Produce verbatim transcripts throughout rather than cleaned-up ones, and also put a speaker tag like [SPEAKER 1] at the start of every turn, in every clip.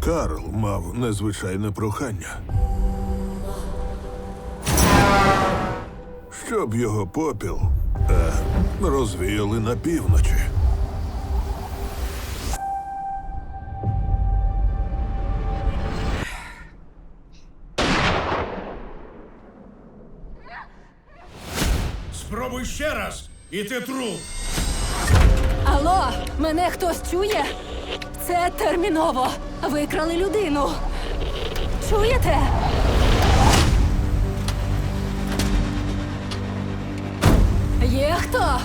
[SPEAKER 1] Карл мав незвичайне прохання. Щоб його попіл е, розвіяли на півночі.
[SPEAKER 2] Спробуй ще раз, і ти труп.
[SPEAKER 3] Алло, мене хтось чує? Це терміново. Викрали людину. Чуєте? Є хто?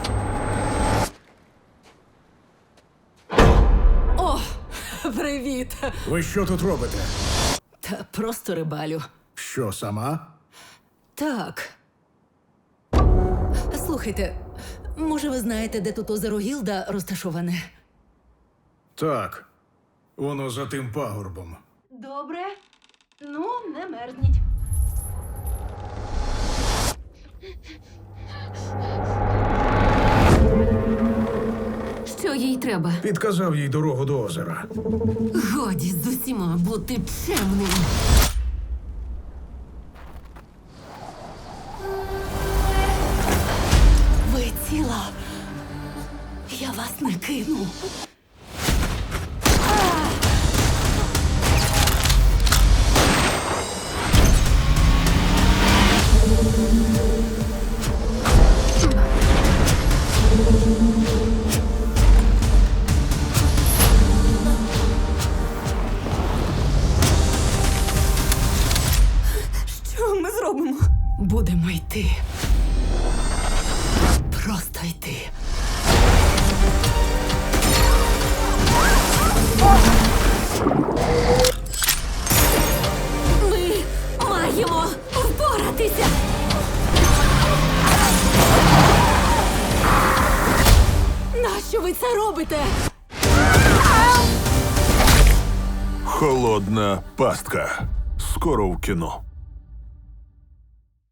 [SPEAKER 3] О, привіт.
[SPEAKER 2] Ви що тут робите?
[SPEAKER 3] Та просто рибалю.
[SPEAKER 2] Що, сама?
[SPEAKER 3] Так. Слухайте, може ви знаєте, де тут озеро Гілда розташоване?
[SPEAKER 2] Так. Воно за тим пагорбом.
[SPEAKER 3] Добре. Ну, не мерзніть. Що їй треба?
[SPEAKER 2] Підказав їй дорогу до озера.
[SPEAKER 3] Годі з усіма бути чемним. Ви ціла. Я вас не кину. Що ми зробимо? Будемо йти. Просто йти. Ми маємо впоратися. Нащо ви це робите?
[SPEAKER 1] Холодна пастка. Скоро в кіно.